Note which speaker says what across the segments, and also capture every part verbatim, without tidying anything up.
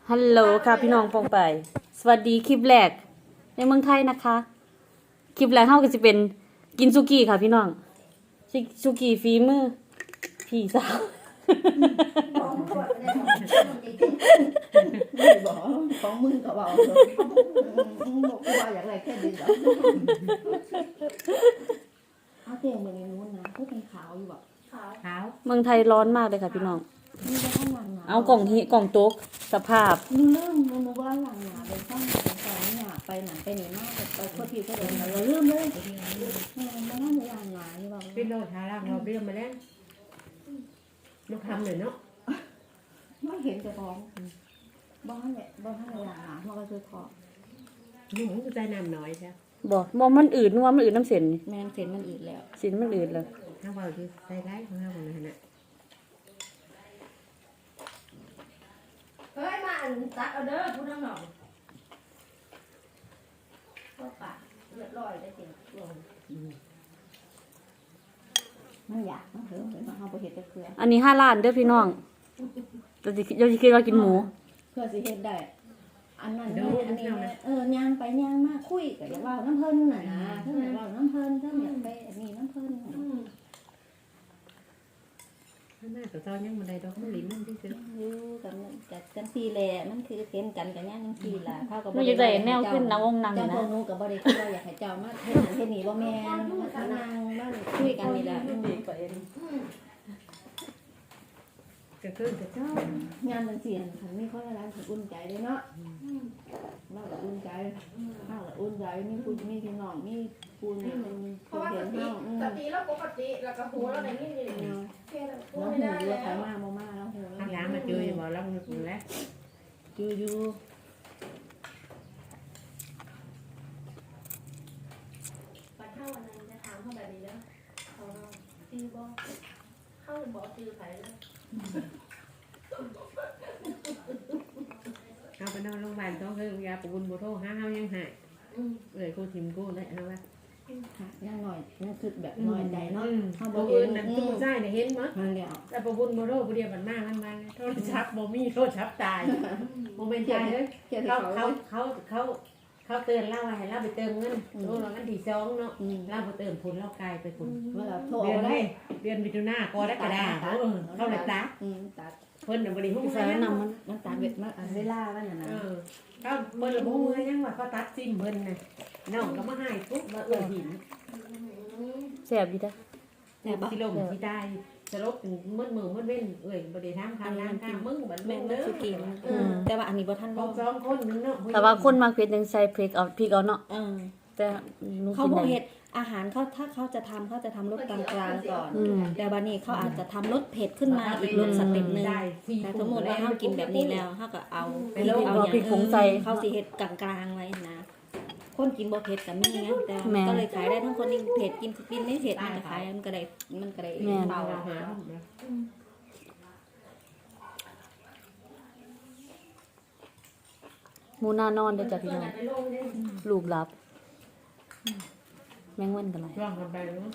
Speaker 1: ฮัลโหลค่ะพี่น้องปองไปสวัสดีคลิปแรกในเมืองไทยนะคะคลิปแรกเฮาก็จะเป็นกินซุกี้ค่ะพี่น้องซุกี้ฝีมือพี่สาว
Speaker 2: บอกของมึงก็บอกมึงบอกว่าอยากอะไรแค่ดีเหรอเอาเตียงไปในนู้นนะพูดเป็นขาวอยู่แบบขาวขาว
Speaker 1: เมืองไทยร้อนมากเลยค่ะพี่น้อง
Speaker 2: นี่จะต้องหลังหนา
Speaker 1: เอากล่องที่กล่องโต๊ะสภาพ
Speaker 2: มึงเริ่มมึงนึกว่าหลังหนาเป็นต้องเป็นสองหนาไปหนาไปหนีมากไปโคตรทีก็เดินเราเริ่มเลยมันไม่น่าจะหลังหนาอยู่แบบ
Speaker 3: พี่โลทาร่างเราเบี้ยมาแล้วมาทำหน่อยเนาะ
Speaker 2: ไม่เห็นจะฟ้องบ้านเนี่ยบ้านหลังหนามันก็คือพอ
Speaker 3: หนูก็ใจน้ำน้อยใช่
Speaker 1: บอกบอกมันอืดนัวมันอืดน้ำเส้นนี่
Speaker 2: แมนเส้นมันอืดแล้ว
Speaker 1: เส้นมันอืดเลย
Speaker 3: ถ้าว่าคือใจร้ายของเราคนนั้นน่ะ
Speaker 2: เฮ้ยมาตัดเอาเด้อพูดน้ำหน่อยก็ปากเลือดลอยได้จริงมันอยากมันเถอะเดี๋ยวมาเอาไปเห็ดไปเพื่อ
Speaker 1: อันนี้ห้าล้านเด้อพี่น้องเราจะเราจะคิดว่ากินหมู
Speaker 2: เพื่อสิเห็ดได้อันนั้นได้อันนี้ได้เออย่างไปย่างมาคุยกับอย่าว่าน้ำเพิ่นน่ะนะถ้าอย่าว่าน้ำเพิ่นถ้าอยากไปอันนี้น้ำเพิ่น
Speaker 3: ถ้าหน้าตัวเจ้ายังมันได้ดอกมันลิ้นมันที่สุด
Speaker 2: อยู่กันจัดกันทีแหละมันคือเห็นกันกันย่างจังทีล่ะเท่ากับ
Speaker 1: มันจะได้แนวขึ้นนางองนาง
Speaker 2: เจ้า
Speaker 1: นะ
Speaker 2: พวกนู้กับบ่ได้คิดว่าอยากให้เจ้ามาเฮ็ดนั่นเฮ็ดนี่บ่แม่นมานั่งบ้านคุยกันนี่แหละ
Speaker 3: ก็คือจะเจ้าง
Speaker 2: านมันเสียนคันมีคนอะไรถึงอุ่นใจเด้เนาะเราก็อุ่นใจเฮาก็อุ่นใจมีผู้มีพี่น้องมีผู้นี่มัน
Speaker 4: เพราะว่า
Speaker 2: เห็
Speaker 4: ส
Speaker 2: น
Speaker 4: ติ
Speaker 2: เฮาอืม
Speaker 4: สติแล้วปกติแล้วก็หูแล้วในนี่นี่
Speaker 2: เนาะ
Speaker 4: แค่นั้นพูด
Speaker 2: เรา
Speaker 4: ไม่
Speaker 2: หู
Speaker 4: ได้
Speaker 2: อยู่
Speaker 4: แล้ว
Speaker 2: ไปมาบ่มาเราหู
Speaker 3: ข้างหลังมาเจอบอกเราอยู่แล้ว
Speaker 2: อยู่อยู่
Speaker 4: ปัดเท่าวันนั้นจะถามเขาแบบนี้แล้วเขาซื้อบ่เข้าบอกซื้อไผ่แล้ว
Speaker 3: เอาไปนอนโรงพยาบาลต้องคือยาปบุญโบโทห้าเฮายังหายเอ้ยกูทิมกูได้เอาละ
Speaker 2: ค่ะยังหน่อยยังคิดแบบน้อยใจเนาะเฮาบ่
Speaker 3: ตัว
Speaker 2: เห็
Speaker 3: อื่
Speaker 2: น
Speaker 3: นนั่นทุกใจเนี่ยเห็นมั้ย
Speaker 2: มันแล้ว
Speaker 3: แต่ปบุญโบโทผู้เดียวมันมากมันมาโทรศัพท์บ่มีโทรศัพท์ตายโมเมนต์ตายเลย
Speaker 2: เกี่ยว
Speaker 3: เขา
Speaker 2: กับ
Speaker 3: เขา
Speaker 2: เขา
Speaker 3: เขาเขาเขาเตือนเราให้เราไปเติมเงินโอ้เราอันที่สองเนาะ
Speaker 2: อืม
Speaker 3: เราไปเติมผลเรากลายไปผล
Speaker 2: เวลาโทร
Speaker 3: เดือน
Speaker 2: เอาได้
Speaker 3: นี้เดือนมิถุนากรกฎาคมเขาเลยตัด
Speaker 2: อืมตัด
Speaker 3: เพิ่นน่ะบ่ได้ฮู้
Speaker 1: ใส่
Speaker 3: ยัง
Speaker 1: น้ำมัน
Speaker 2: มันตัดเวทมันเวลามันน่ะนะ
Speaker 3: เออเขาเพิ่นน่ะบ่ฮู้ยังว่าเขาตัดซิมเพิ่นน่ะน้องก็มาให้ปุ๊บมาเอื้อหิน
Speaker 1: แซ่บดีจ้ะ
Speaker 3: แต่สิลมสิตายสลบถึงมืดมือมืดเว้นเอ้ยบ่ได้ทำคำล้างข้างมึงบัด
Speaker 2: แม่
Speaker 3: แม่
Speaker 2: น
Speaker 3: เด้
Speaker 2: มัน
Speaker 3: อ
Speaker 2: สิกินแต่ว่าอันนี้บ่ทัน
Speaker 3: เขา
Speaker 2: เนาะ
Speaker 3: สองคนนึงเนาะ
Speaker 1: แต่ว่าคนมากเผ็ดยังใส่พริกเอาพริกเอาเนาะ
Speaker 2: เออ
Speaker 1: แต่หนู
Speaker 2: เขา
Speaker 1: กิน
Speaker 2: บ่
Speaker 1: ได้
Speaker 2: เฮ็ดอาหารเขาถ้าเขาจะทำเขาจะทำรสกลางๆก่อน
Speaker 1: อืม
Speaker 2: แต่บัดนี้เขาอาจจะทำรสเผ็ดขึ้นมาอีกรสสเต็ปนึง
Speaker 3: ได้สี่
Speaker 2: แต่สมมุติว่าเฮากินแบบนี้แล้วเฮาก็เอาเอา
Speaker 1: พริกผงใส่
Speaker 2: เขาสิเฮ็ดกลางๆไว้นะคนกินบ่เผ็ดก็มีไงแต่
Speaker 1: แม่
Speaker 2: ก็เลยขายได้ทั้งคนที่เผ็ดกินกินไม่เผ็ดมันก็ขายมันก็ได้มันก็ได้
Speaker 1: แม่น
Speaker 2: เบา
Speaker 3: เราหา
Speaker 1: หมูหน้านอนเด้อจ้ะพี่น้องลูกหลับ แมงวันกันไร
Speaker 3: ช่วงกันไปเนาะ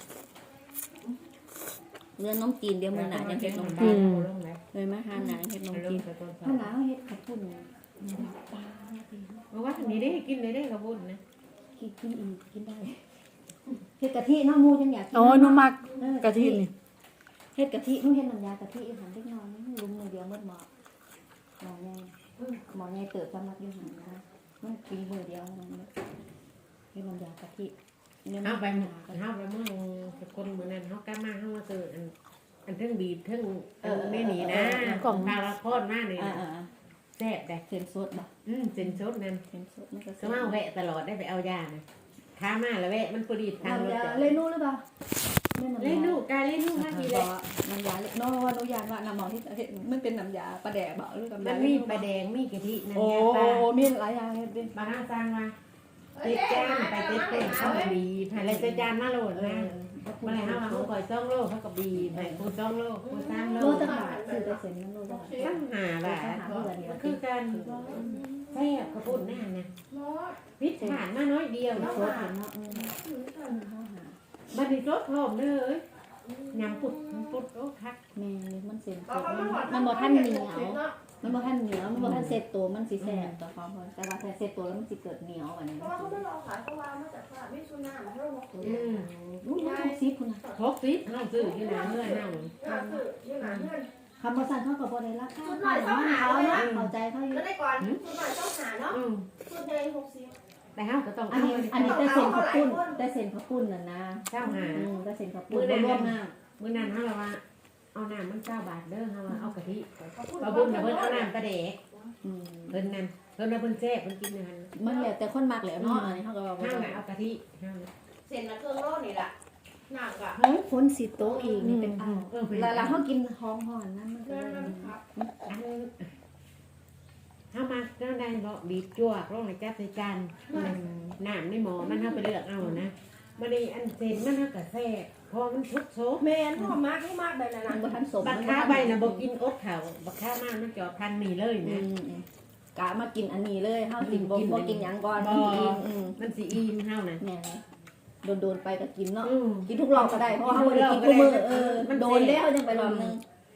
Speaker 2: เรื่องน้องจีนเดี๋ยวมื้อหน้าจะเฮ็ดน้อง
Speaker 3: อื
Speaker 2: จีน
Speaker 3: ม
Speaker 2: เลยมาหาหนาเฮ็ดน้องจีนถ้าหนาเฮ็ดข้าวปุ้นปลา
Speaker 3: เพราะว่าทางนี้ได้กินเลยได้กระบุนนะ
Speaker 2: กินกินอีกกินได้เฮ็ดกะทิเนาะหมูจังอยากกิน
Speaker 1: โอ้ยหนูมัก
Speaker 2: เออก
Speaker 1: ะทินี่
Speaker 2: เฮ็ดกะทิหนูเฮ็ดน้ำยากะทิอาหารเล็กน้อยลุงมือเดียวหมดหม้อหม้อใหญ่หม้อใหญ่เติบสำหรับอยู่หั่นนะมันกินมือเดียวนั่นแหละเฮ็ดน้ำยากะทิเนี่ย
Speaker 3: เอาไป
Speaker 2: ห
Speaker 3: ห
Speaker 2: ม
Speaker 3: มดเอาไปเมื่อคนเหมือนนั้นเขากล้ามาเขามาเจออันอันเทิงบีบเทิงไม่หนีนะของพาราพอดมากเลย
Speaker 2: อ่า
Speaker 3: แซ่บได้
Speaker 2: ๆเส้นสดบ่
Speaker 3: อืมเส้นสดนั่น
Speaker 2: เส้นสดมันก็
Speaker 3: ก็มาแวะตลอดได้ไปเอายานะท้ามาแล้วแวะมันพอดีทางรถ
Speaker 2: น้ำยา
Speaker 3: จ้ะ
Speaker 2: เลนูหรือเปล่า
Speaker 3: เล่นลูกกายเล่นลูกมากดีเลย
Speaker 2: น้ำยาเนาะว่าหนูยานว่าน้ำหมอที่มันเป็นน้ำยาปลาแดกบ่หรือน้ำ
Speaker 3: มั
Speaker 2: ยาน
Speaker 3: มีปลาแดงมีกะทินั่น
Speaker 2: โอ้
Speaker 3: แง่ปลา
Speaker 2: มีหลายอย่างเฮ็ดดิ
Speaker 3: บาห้าจานมาเต็ดจานไปเต็ดเต็ดเข้าบีผ่านอะไรจานมาโหลดนะเมื่อไรห้ามาเขาก่อยจ้องโลเขากับบีผ่านกูจ้องโลกูสามโล
Speaker 2: โลจังหวัดซื้อได้เสร็จมันโลจังหวัด
Speaker 3: ตั้งหาแบบมันคือการแซ่บกระปุ่นแน่นะพิษผ่านมาน้อยเดียว
Speaker 2: โซ
Speaker 3: เนาะ
Speaker 2: ดเห็นเนาะเออเฮาหา
Speaker 3: บัดนี้รถพร้อมเลยยำปุดปุดโอ้คัก
Speaker 2: แม่มันเส้นส
Speaker 4: เรา
Speaker 2: ด
Speaker 4: ก็
Speaker 2: มัน
Speaker 4: หอด
Speaker 2: มันบ่ทันเหนียว
Speaker 3: ม
Speaker 2: มันบ่ทันเหนียวมันบ่ทันเสร็จตัวมันสิแซ่บต่อความพอแต่ว่าถ้าเสร็จตัวแล้วมันสิเกิดเหนียวอันนี้
Speaker 4: เพราะว่าเขาไม่รอขายเพราะว่ามาจากตลาดไม่ชุนหน้ามาให้เราหมดเลย
Speaker 3: อืม
Speaker 2: รู้ว่าซิคุณน่ะ
Speaker 3: หกสิบน้องซื้อที่ไหนเมื่อนั่ง
Speaker 4: ก็คือยังหาเพื่อน
Speaker 2: คำว่าสั่นเขาก็บ่ได้ราคาเขาเนาะเข้าใจเขาอยู่
Speaker 4: แล้วได้ก่อนชุดหน่อยต้องหาเนาะ
Speaker 3: อืม
Speaker 4: ชุดเดย์หกสิบ
Speaker 3: แต่เฮาก็ต้อง
Speaker 2: อัน
Speaker 3: เอา
Speaker 2: นี้อันนี้แต่เส้นข้าวปุ้นแต่เส้นข้าวปุ้นน่ะนะ
Speaker 3: เจ้าหา
Speaker 2: อืมแต่เส้นข้าวปุ้นบ่รวมน้ำ
Speaker 3: มื้อนั้นเฮาละว่าเอาน้ำมันเก้าบาทเด้อเฮาว่าเอากะทิ
Speaker 4: เขาพูด
Speaker 3: บ่บุญน่ะเพิ่นเอาน้ำปลาแดก
Speaker 2: อืม
Speaker 3: เพิ่นนั่นเพิ่นว่าเพิ่นแซ่บเพิ่นกินนั่น
Speaker 2: มันแล้วแต่คนมักแหล้วเนาะอันนี้เขาก็ว่าบ่
Speaker 3: ห้า
Speaker 2: ต้อง
Speaker 3: น่ะเอากะทิห้าน่ะ
Speaker 4: เซ็นละเครื่องโลนี่แหละหนักอ่ะ
Speaker 2: เฮ้ยฝนสิโตกอีกนี่เป็นอ้าว
Speaker 3: เออเพิ่น
Speaker 2: แล้วแล้วเขากินหอมห่อนนั่นมันก็
Speaker 4: เพื่อน
Speaker 2: เลย
Speaker 4: มันครับ
Speaker 3: อันเฮามาเจ้าได้บ่บีบจั่วลงในจับใส่จานน้ำในหม้อมันเฮาไปเลือกเอานะบัดนี้อันเส้นมันเฮาก็แซ่บพอมันทุกโซ
Speaker 4: แมนพ่อมากให้มากแบบนั้น
Speaker 2: มันบ่ทันสม
Speaker 3: บักค้าใบน่ะบ่กินอดข้าวบักค้ามามันจอดทันนี่เลย
Speaker 2: อื
Speaker 3: นะ
Speaker 2: มอืมกะมากินอันนี้เลยเฮากินบ่บ่กินหยังก่อน
Speaker 3: บ่
Speaker 2: กินอืม
Speaker 3: มันสิอิ่มเฮาน่ะ
Speaker 2: แม่นะโดนๆไปก็กินเนาะ
Speaker 3: อืม
Speaker 2: กินทุกรอบก็ได้เพราะว่าเฮาบ่ได้กินทุกมื้อเออโดนแล้วยังไปรอบนึง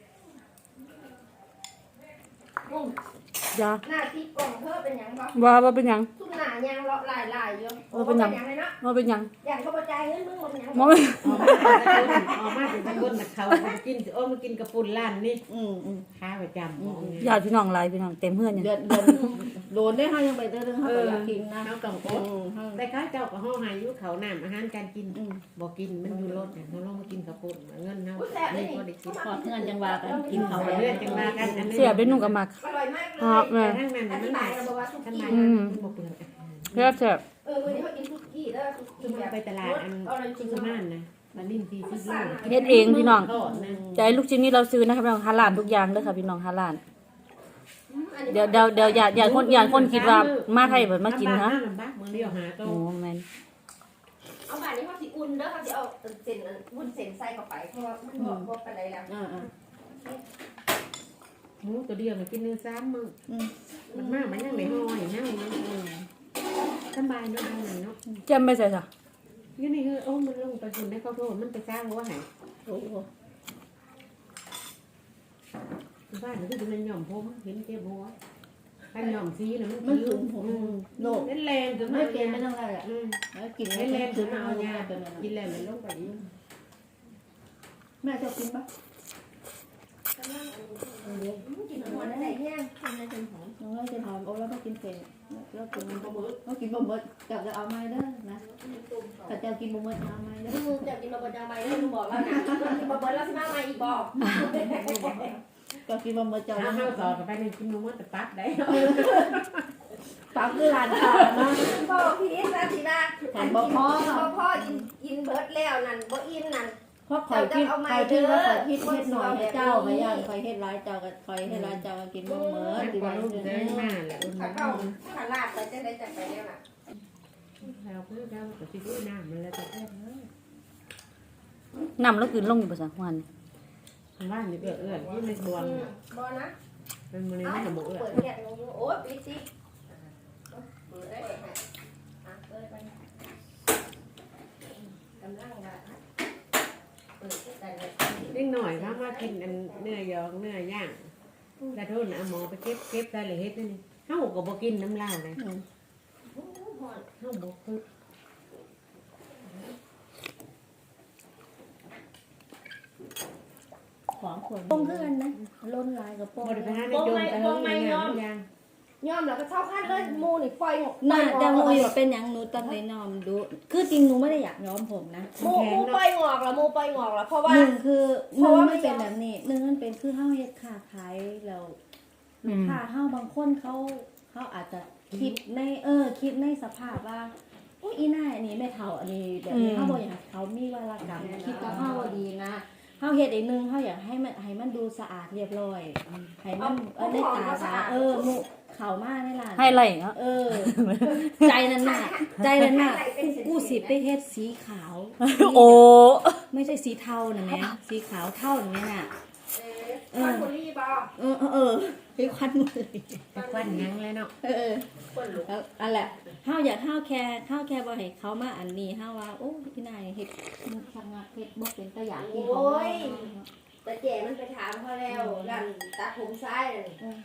Speaker 1: จ้า
Speaker 4: หน้าที่กล่องเธอเป็นยังบ่
Speaker 1: ว่าว่าเป็นหยัง
Speaker 4: ทุกหน้ายังเลาะลายลายอยู่ยังเลยนะ
Speaker 1: ว่าเป็นหยัง
Speaker 4: อย่างเขาประจายเงินมึงมันยัง
Speaker 1: มองไม่
Speaker 3: ออกมาถึงตะกุนออกมาถึงตะกุนน่ะเขามันกินสิโอ้มันกินกระปุ่นล้านนี่
Speaker 2: อืมอืม
Speaker 3: ค้าประจำของเนี่ย
Speaker 1: ญาติพี่น้องหลายพี่น้องเต็มเฮือนเนี่ย
Speaker 2: เดือนเดือนโดนได้เฮายังไปเด้อเฮาก็อยากกินนะ
Speaker 3: เขาต้องอ
Speaker 2: อื
Speaker 3: ด
Speaker 2: มเฮา
Speaker 3: แต่ข้าเจ้าก็ห้องหายุเขาน้ำอาหารการกิน
Speaker 2: อืม
Speaker 3: บอกกินมันอยู่รถเนี่ยเขาลงมากินกระปุ่นเงินเขา
Speaker 4: อุ้ยแซ่บเล
Speaker 3: นี่
Speaker 4: ย
Speaker 3: ก็ได้กิน
Speaker 2: พอเพื่อนจังว่ากันกินข้าว
Speaker 3: เลือดจังว่ากันอันนี้
Speaker 1: เสียบได้หนุ่มกับมัก
Speaker 4: อร่อยมากเล
Speaker 1: ครับ
Speaker 4: ย
Speaker 1: แม่
Speaker 3: แต่ทั้งนั้น
Speaker 4: อ
Speaker 3: มัน
Speaker 4: ธิ
Speaker 3: ห
Speaker 4: บา
Speaker 3: ลาย ย
Speaker 4: เราบอกว่าทุก
Speaker 3: ทำ
Speaker 4: ที่
Speaker 3: ไม
Speaker 1: อืม
Speaker 3: มันบอกเปลือก
Speaker 1: เสียบเสียบ
Speaker 4: เออวันนี้เขากินทุกที่แล้ว
Speaker 3: คือมาไปตลาดอัน
Speaker 4: อร่อยจริ
Speaker 3: คุ
Speaker 4: ง
Speaker 3: ณสมานนะมาลิ้นทีซิโล
Speaker 1: เฮ็ดเองพี่น้อง
Speaker 3: ทอดนะ
Speaker 1: จะให้ลูกชิ้นนี้เราซื้อนะครับพี่น้องฮาลาลทุกอย่างเลยค่ะพี่น้องฮาลาลเดี๋ยวเดี๋ยวเดี๋ยวอย่าอย่าคนอย่าคนคิดว่ามาไทยเพิ่นมากินฮะ
Speaker 3: ลำบากเมืองเดียวหาโต
Speaker 1: โอ้แม่น
Speaker 4: เอาแบบนี้เขาสิอุ่นเด้อเขาสิเอาเส้นวุ้นเส้นใส่เข้าไปเพราะว่ามันบอกบอกกันไรแล้ว
Speaker 2: อ่า
Speaker 3: หมูตัวเดียวมันกินเนื้อซ้ำมึง
Speaker 2: ๆอืม
Speaker 3: มันมากมันยังไม่ห่ออย่างนั้น
Speaker 2: อืม
Speaker 3: สบายเนาะเอาหน่อยเนาะ
Speaker 1: แจ่มไปใส่จ้ะ
Speaker 3: นี่นี่คือโอ้มันลงไปคุณได้ข้าวโพดมันไปสร้างหัวหาย
Speaker 2: โอ้โห
Speaker 3: บ้านมันคือมันหย่อมผมเห็นเจ็บหัวถ้าหย่อมซีน่ะมัน
Speaker 2: มัน
Speaker 3: คื
Speaker 2: ถึ
Speaker 3: อง
Speaker 2: ผมโลก
Speaker 3: เล่นแรงถึง
Speaker 2: ไม่
Speaker 3: มา
Speaker 2: เป็นไม่ต้องอะไรอ่ะ
Speaker 3: อืม
Speaker 2: แล้วกิน
Speaker 3: เล่นแรงถึ
Speaker 2: ถึ
Speaker 3: ง
Speaker 2: ง
Speaker 3: มา
Speaker 2: มา
Speaker 3: เอา
Speaker 2: เอา
Speaker 3: ยา
Speaker 2: ยาเป็นอะไร
Speaker 3: กินแรงมันลงไปอีก
Speaker 2: แม่จะกินปะ
Speaker 4: กินหัวได้แห้งกินได้จนหอม
Speaker 2: น้องเราจะทำโอ้แล้วก็กินเฟรแล้วกินบะหมี่ก็กินบะหมี่กับจะเอาไม้เด้อนะแต่จะกินบะหมี่เอาไม้เด้อ
Speaker 4: มึงจะกินมาบดยังไงได้มึงบอกแล้วนะกินมาบดแล้วสิมาใหม่อีกบอก
Speaker 2: ก็กินบะหมี่จะ
Speaker 3: ถ้าเข้าต่อกับไปในกินนมแต่ปั๊บได้
Speaker 2: ปั๊บคือร้านค้าเนาะ
Speaker 4: บอกพี่นะสินะ
Speaker 2: แถมบ่พ่อ
Speaker 4: บ่พ่ออินอินเบิร์ดแล้วนั่นบ่อินนั่น
Speaker 2: เพราะคอยคิดคอยคิดว่าคอยคิดเฮ็ดหน่อยให้เจ้าไปย่างคอยเฮ็ดร้ายเจ้าก็คอยเฮ็ดร้ายเจ้าก็กินบะหมี่
Speaker 3: มัน
Speaker 2: ดี
Speaker 3: กว่า
Speaker 2: ว่า
Speaker 3: ลูกเดินมาแหละ
Speaker 4: ถ้าเข้าถ้าลาดไปจะได้จัดไปแล้วน่ะ
Speaker 3: เราเพื่อเราก็จะด้วยน้ำมันแล้วจะแค่
Speaker 1: น้ำแล้วคืนลงอยู่บ่ซะวัน
Speaker 3: บ้านนี่เอื้อเอื้อที่ไม่บวม
Speaker 4: บ่นะ
Speaker 3: เป็นมัน
Speaker 4: เอ้า
Speaker 3: ไม่สมบูรณ์
Speaker 4: เปิดแก๊สลงโอ้ยปิดสิเปิดได้อ่ะเปิดไปกำลังว่าเปิดได้เลย
Speaker 3: เล็กหน่อยถ้ามากินอันเนื้อยองเนื้อย่างแต่ทุนเอาหมอไปเก็บเก็บใส่เลยเฮ็ดนี่เฮาก็บ่กินน้ำลาวเลยเฮาบ่คือ
Speaker 2: ของขวดป้งเพื่อนนะล้นลายกับป้ง
Speaker 3: บ่ได้ไปหาในโจมแต่เฮาไม่ยอมยัง
Speaker 4: ยอมแล้วก็เช่าขั้นเลยมูนี่ปล่อยหมด
Speaker 2: น่าจะมูอยู่เป็นอย่างหนูตั้งใจนอมดู คือจริงหนูไม่ได้อยากย้อมผมนะ
Speaker 4: มูมูปล่อยงอกแล้วมูปล่อยงอกแล้วเพราะว่า
Speaker 2: หนึ่งคือห
Speaker 4: เพ
Speaker 2: นึ่
Speaker 4: ราะ
Speaker 2: ง
Speaker 4: ว่า
Speaker 2: มันเป็นแบบนี้หนึ่งมันเป็นคือเฮาเฮ็ดค้าขายแล้วลูกค้าเฮาบางคนเขาเขาอาจจะคิดในเออ คิดในสภาพว่าอุ้ยอีน่าอันนี้แม่เฒ่าอันนี้แบบนี้เฮาบ่อยากให้เขามีวารกรรมคิดกับเฮาบ่ดีนะเฮาเฮ็ดอีกนึงเฮาอยากให้มันให้มันดูสะอาดเรียบร้อยให้มันเออได้ตาสะอาดเออหมู่เข้ามาในร้าน
Speaker 1: ให้ไล่เนาะ
Speaker 2: เออ ใจนั้นน่ะ ใจนั้นน่ะกูสิไปเฮ็ดสีขาว
Speaker 1: โอ้
Speaker 2: ไม่ใช่สีเทานะแม่สีขาวเท่าอย่างนี้น่ะ
Speaker 4: เออคนรีบอ่ะ
Speaker 2: เออเออเออพี่ควันมือ
Speaker 3: ไปควันยังเลยเนาะ
Speaker 2: เออ
Speaker 4: คนลุก
Speaker 2: แล้วอันแหละห้าวอยากห้าวแค่ห้าวแค่บ่ให้เขามาอันนี้ห้าวว่าโอ้พี่นายเฮ็ดมุกชักงักเฮ็ดบ่เป็นตะอยากกินของเรา
Speaker 4: แต่เจ๋มันไปถามเขาแล้วกันตาผมซ้ายเลยโอ้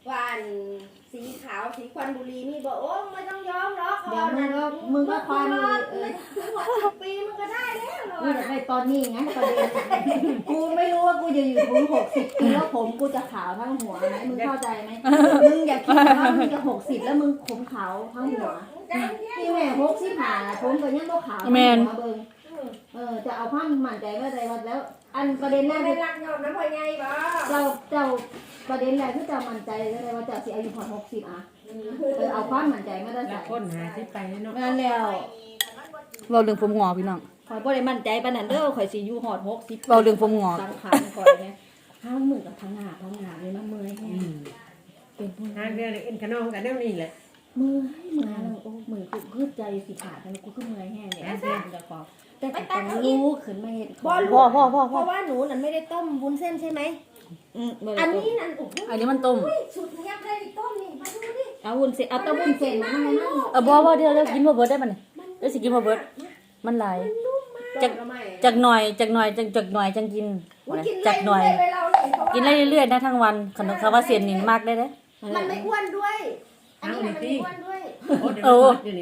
Speaker 5: ว่าอันสีขาวสีควันบุหรี่มีบอกโอ้ไม่ต้องยอมหรอก
Speaker 2: เดี๋ยวมึงก็มึงก็ควันเลยเออ
Speaker 5: หกปีมึงก็ได้แล้วเหรอ
Speaker 2: กูอยากได้ตอนนี้งั้นประเด็นกูไม่รู้ว่ากูจะอยู่ถึงหกสิบปีแล้วผมกูจะขาวทั้งหัวไหมมึงเข้าใจไหมมึงอย่าคิดว่ามึงจะหกสิบแล้วมึงผมขาวทั้งหัวที่แม่หกสิบห้าผมก็ยังบ่ขาวทั้งหัวเบิ่งเออจะเอาความมั่นใจว่าใจว่าแล้ว อันประเด็นแรก
Speaker 5: เป็นรักยอมน้ำพ่อใหญ่บ่
Speaker 2: เราเจ้าประเด็นแรกที่เจ้ามั่นใจเลยว่าเจ้าสิอายุพอหกสิบอ่ะเออเอาความมั่นใจมาได้
Speaker 3: แล้
Speaker 2: ใส่
Speaker 3: วคนหาที่ไปเนาะ
Speaker 2: นั่นแล้ว
Speaker 1: เราเรื่องผมงอกพี่น้อง
Speaker 2: ข่อยบ่ได้มั่นใจปานนั้นเด้อข่อยสิอยู่ฮอดหกสิบ
Speaker 1: เราเรื่องผมงอก
Speaker 2: สังขารข่อยเนี่ยห้ามือกับทั้งหน้าทั้งหน้าเลยนะเมื่อยแฮ
Speaker 3: อื
Speaker 2: ง
Speaker 3: ม
Speaker 2: เป็นผู้
Speaker 3: ทางเดียวเลยเอ็นขนองกันแนวนี้แหละ
Speaker 2: เมื่อยเมื่อยแล้วโอ้มือกูคือใจสิขาดแล้วกูคือเมื่อยแฮงเนี่ยอันนี้จะขอแต่ก็ต้องรู้ขึ้นมาเฮ็ด
Speaker 5: บ่
Speaker 1: พ่อพ่อพ่อ
Speaker 5: เพ
Speaker 1: พ่อ
Speaker 5: ราะว่าหนูนั่นไม่ได้ต้มวุ้นเส้นใช่ไหม
Speaker 2: อืมบ่
Speaker 5: อั
Speaker 2: ได้
Speaker 5: น
Speaker 2: ต้ม
Speaker 5: นี้นั่นโอ้โห
Speaker 1: อันนี้มันต้ม
Speaker 5: สุดเงียบเลยต้มนี่มาดูดิ
Speaker 2: เอาวุ้นเส้นเอาแตะวุ้นเส้นมาให้มัน
Speaker 1: เออบ่บ่เดี๋ยวเดี๋ยวกินบ่เบิดได้มันเดี๋ยวสิกินบ่เบิดมันหลาย
Speaker 5: จัก
Speaker 1: จากหน่อยจากหน่อยจากจากหน่อยจังกินจากหน่อย
Speaker 5: เลยเราเลยเพราะว่า
Speaker 1: กินได้เรื่อยๆนะทั้งวันขนมคำว่าเสียนนี่มากได้เด้อ
Speaker 5: มันไม่อ้วนด้วย อันนี้มันไม่อ้วนด้วย
Speaker 3: โอ้เดี๋ยวนี้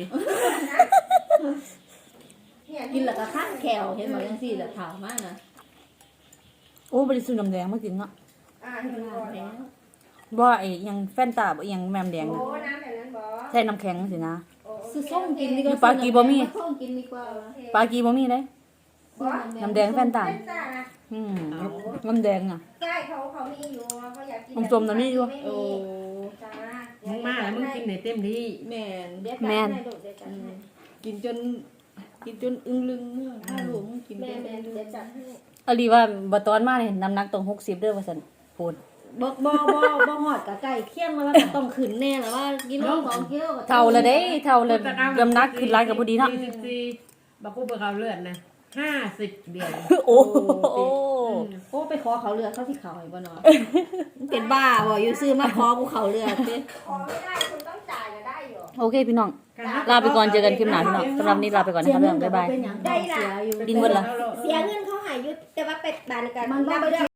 Speaker 5: เนี่ย
Speaker 2: กินแล้วก็คัดแขวเห็นบ่จังซี่แหละขาวมากนะ
Speaker 1: โอ้บ่ได้ซื้อน้ำแดงมากินเนาะ
Speaker 5: อ่าเห็นบ่แล้ว
Speaker 1: บ่ไอ้หยังแฟนตาบ่อีหยังแมมแดง
Speaker 5: โอ้
Speaker 1: น่ะ
Speaker 5: น้ำแบบนั้นบ่
Speaker 1: ใส่น้ำแข็งสินะ
Speaker 5: โอ้
Speaker 2: ซื้อส้มกินดีกว่า
Speaker 1: ปลากีบ่มี
Speaker 2: ส้มกินดีกว่า
Speaker 1: ปลากีบ่มีเด้
Speaker 5: บ่
Speaker 1: น้ำแดงแฟนตา
Speaker 5: เป็นตานะ
Speaker 1: อืมน้ำแดงอ่ะ
Speaker 5: ใช่เขาเขามีอยู่เขาอยากกิน
Speaker 1: น้ำส้มน่ะมีอยู่
Speaker 5: ไม่
Speaker 2: โอ้
Speaker 5: จ้า
Speaker 3: มึงมาแล้วมึงกินไหนเต็มที่
Speaker 2: แม่น
Speaker 5: เดี๋ยว
Speaker 1: แม่
Speaker 5: จัด
Speaker 1: น
Speaker 5: ให้ลูกเดี๋ยวจัดให้
Speaker 2: กินจนกินจนอึ้งลึงเมื่อถ้าหลวงกิน
Speaker 5: แม่
Speaker 2: ได้
Speaker 5: แม่เดี๋ยวจัดให้
Speaker 1: อลีว่าบ่ตอนมานี่น้ำหนักต้องหกสิบเด้อว่าซั่นพูด
Speaker 2: บ่บ่บ่บ่ฮอดกับไก่เคี่ยงมาว่าต้องขึ้นแน่แล้วว่ากิโลสองกิโลก็
Speaker 1: เท่าละเด้เท่าละน้ำหนักขึ้นหลายกับพอดีเนาะ
Speaker 3: สี่สิบสี่บักกูเบิกเอาเลือดนะห้าสิบเดียว
Speaker 1: โอ้โห
Speaker 2: โอ้ไปขอเขาเรือเขาสิเขาให้บ่เนาะเป็นบ้าบ่อยู่ซื้อมาขอกูเขาเรือติ
Speaker 5: ขอไม่ได้คุณต้องจ่ายก็ได้อยู่
Speaker 1: โอเคพี่น้อง ลาไปก่อนเจอกันคลิปหน้าพี่น้องสำหรับนี้ลาไปก่อนนะครับเรื่องบ๊ายบาย
Speaker 2: เป็นหยังได้เสียอยู่
Speaker 1: ดินหมดละ
Speaker 5: เสียเงินเขาหายยุดแต่ว่าเป็ดบานกัน
Speaker 2: มันต้องไป